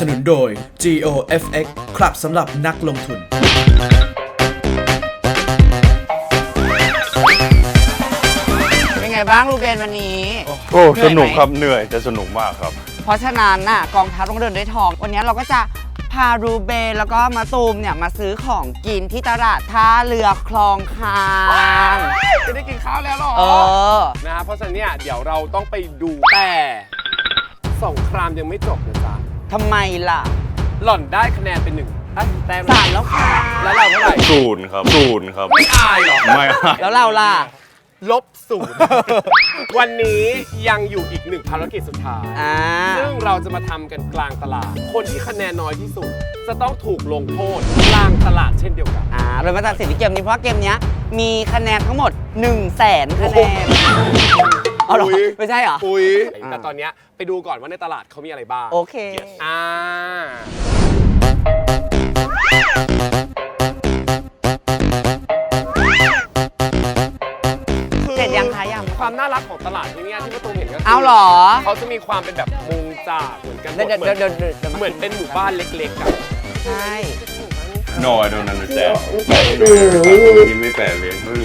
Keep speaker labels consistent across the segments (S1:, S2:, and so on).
S1: นุนโดย GOFX ครับสำหรับนักลงทุน
S2: เป็นไงบ้างลูเบนวันนี้
S3: โอ้สนุกครับเหนื่อยแต่สนุกมากครับ
S2: เพราะฉะนั้นน่ะกองทัพต้องเดินด้วยทองวันนี้เราก็จะพารูเบนแล้วก็มาตูมเนี่ยมาซื้อของกินที่ตลาดท่าเรือคลองคาง
S4: จะได้กินข้าวแล้วหรอนะเพราะฉะนั้นเนี่ยเดี๋ยวเราต้องไปดูแต่สงครามยังไม่จบนะจ๊ะ
S2: ทำไมล่ะ
S4: หล่อนได้คะแนนเป็น1แต้ม
S2: 3แล้วค่ะ
S4: แล้วเราเท่าไหร่
S3: 0ครับ0ครับ
S4: ไม่อายหรอ
S3: ไม่อาย
S2: แล้วเราล่ะ
S4: -0วันนี้ยังอยู่อีก1ภารกิจสุดท้ายซึ่งเราจะมาทำกันกลางตลาดคนที่คะแนนน้อยที่สุดจะต้องถูกลงโทษกลางตลาดเช่นเดียวกัน
S2: โดยมาตัดสินที่เกมนี้เพราะเกมนี้มีคะแนนทั้งหมด 100,000 คะแนนเอาหรอไม่ใช่เหรอ
S4: แต่ตอนนี้ไปดูก่อนว่าในตลาดเขามีอะไรบ้าง
S2: โอเคเสร็จยังคะยัง
S4: ความน่ารักของตลาดที่นี่ที่ประตูเห็นก็
S2: เอาหรอ
S4: เขาจะมีความเป็นแบบมุงจากเหมือนกันเหมือนเป็นหมู่บ้านเล็กๆอ่ะ
S2: ใช่
S3: No I don't understand นี่ไม่แปลเลยเห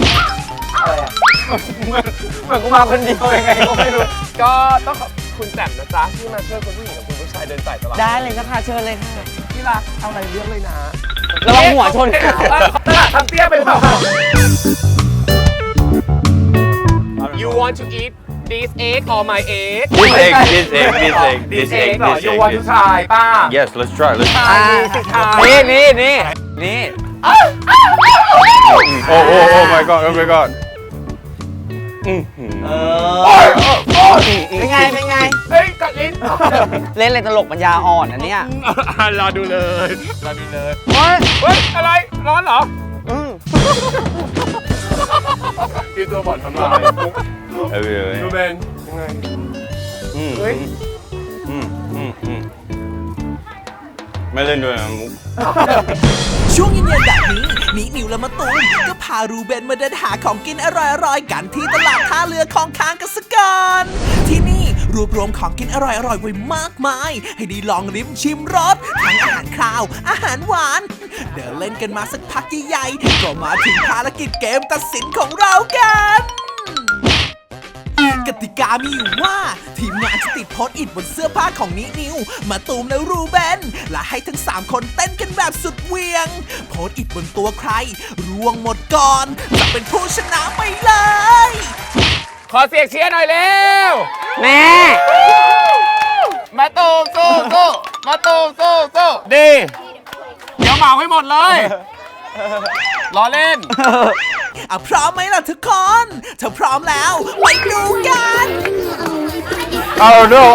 S2: มือนกูมาคนเดียวยังไงก็ไม่รู้
S4: ก็ต้องขอบคุณแจ่มนะจ๊ะที่มาช่วยคุณผู้หญิงกับคุณผู้ชายเดินสายตลาด
S2: ได้เลยนะคะเชิญเลยค่ะ
S4: ที่รักเอาอะไรเลือกเลยนะ
S2: ระวังหัวชน
S4: ตลาดทำเตี้ยเป็นเปล่า You want to eat this egg or my egg?
S3: This egg.
S4: You want to try ป้า
S3: Yes, let's try. Let's try.
S2: นี่
S3: Oh my god. Oh my god.
S2: เป็นไง
S4: เฮ้ยกัดลิ้น
S2: เล่นอะไรตลกปัญญาอ่อนอันเนี้ย
S4: รอดูเลยเฮ้ยอะไรร้อนเหรอกินตัวบอดทำไมดูเบนยังไงเฮ้ย
S3: ไม่เล่นด้วยนะมุก
S1: ช่วงเย็นๆแบบนี้นิวและมะตูมก็พารูเบนมาเดินหาของกินอร่อยๆกันที่ตลาดท่าเรือคลองคางกันสักก่อนที่นี่รวบรวมของกินอร่อยๆไว้มากมายให้ได้ลองลิ้มชิมรสทั้งอาหารคาวอาหารหวานเดินเล่นกันมาสักพักใหญ่ๆก็มาถึงภารกิจเกมตัดสินของเรากันกติกามีอยู่ว่าทีมงานจะติดโพสต์อิทบนเสื้อผ้าของนิวมาตูมและรูเบนและให้ทั้ง3คนเต้นกันแบบสุดเวียงโพสต์อิทบนตัวใครร่วงหมดก่อนจะเป็นผู้ชนะไปเลย
S4: ขอเสียงเชียร์หน่อยเร็ว
S2: แม่
S4: มาตูมมาตูมดีเดี๋ยวเหมาให้หมดเลยล้อเล่น
S1: พร้อมไหมล่ะทุกคนถ้าพร้อมแล้วไปดูกัน
S3: I don't know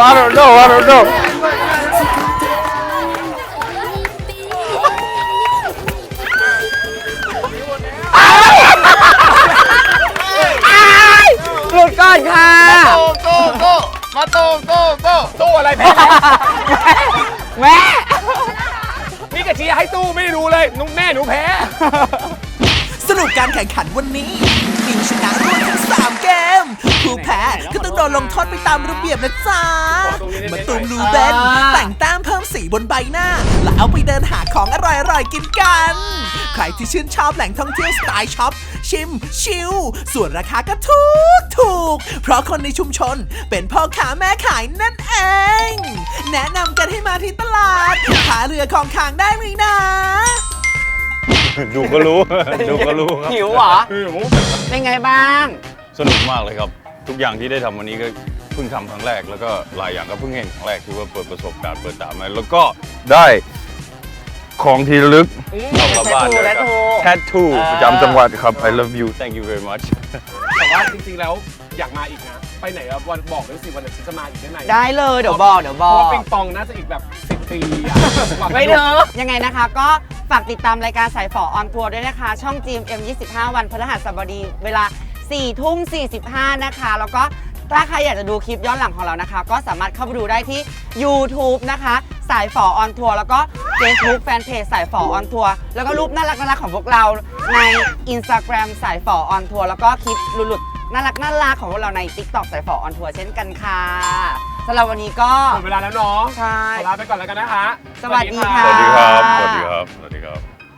S2: หลุดก่อนค่ะ
S4: มาตู้อะไรแพ้
S2: แม่
S4: นี่กะชี้ให้ตู้ไม่รู้เลยนุ๊กแม่หนูแพ้
S1: สรุปการแข่งขันวันนี้นิวชนะรวดทั้ง3เกมผู้แพ้ก็ต้องโดนลงโทษไปตามระเบียบนะจ๊ะมาตูมรูเบนแต่งแต้มเพิ่มสีบนใบหน้าแล้วเอาไปเดินหาของอร่อยๆกินกันใครที่ชื่นชอบแหล่งท่องเที่ยวสไตล์ช็อปชิมชิลส่วนราคาก็ถูกเพราะคนในชุมชนเป็นพ่อค้าแม่ขายนั่นเองแนะนำกันให้มาที่ตลาดท่าเรือคลองคางได้ไหมนะ
S3: ดูก็รู้ครับ
S2: หิวเหรอเป็นไงบ้าง
S3: สนุกมากเลยครับทุกอย่างที่ได้ทำวันนี้ก็เพิ่งทำครั้งแรกแล้วก็หลายอย่างก็เพิ่งเห็นครั้งแรกที่ว่าเปิดประสบการณ์เปิดตามาแล้วก็ได้ของที่ระลึกกลับบ้านเลยครับแทททูประจำจังหวัดครับ I love you thank you very much
S4: แต่ว่าจริงๆแล้วอยากมาอีกนะไปไหนวันบอกด้วยสิวันไหนฉันจะมาอีกได้ไหน
S2: ได้เลยเดี๋ยวบอกเพราะ
S4: ว่าปิงปองน่าจะอีกแบบ10 ปี
S2: ไม่เถอะยังไงนะคะก็ฝากติดตามรายการสายฝอออนทัวร์ด้วยนะคะช่อง GMM 25 วันพฤหัสบดีเวลา 4:45 นะคะแล้วก็ถ้าใครอยากจะดูคลิปย้อนหลังของเรานะคะก็สามารถเข้าไปดูได้ที่ YouTube นะคะสายฝอออนทัวร์แล้วก็ Facebook Fanpage สายฝอออนทัวร์แล้วก็รูปน่ารักของพวกเราใน Instagram สายฝอออนทัวร์แล้วก็คลิปหลุดๆน่ารักของพวกเราใน TikTok สายฝอออนทัวร์เช่นกันค่ะสำหรับวันนี้ก็
S4: หมดเวลาแล้วเนาะ
S2: ใช่
S4: ขอลาไปก่อนแล้วกันนะคะ
S2: สวัสดีค่ะ
S3: สวัสดีครับ สวัสดีครับ สวัสดีครับ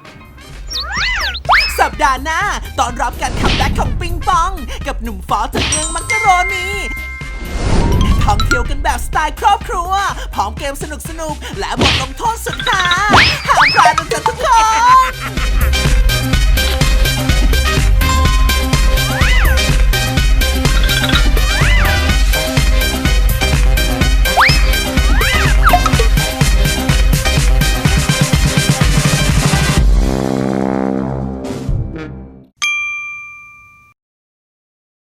S1: สัปดาห์หน้าตอนรับการคัมแบ็กของปิงปอง กับหนุ่มฟอจากเมืองมักกะโรนีท่องเที่ยวกันแบบสไตล์ครอบครัว พร้อมเกมสนุกๆ และบทลงโทษสุดฮา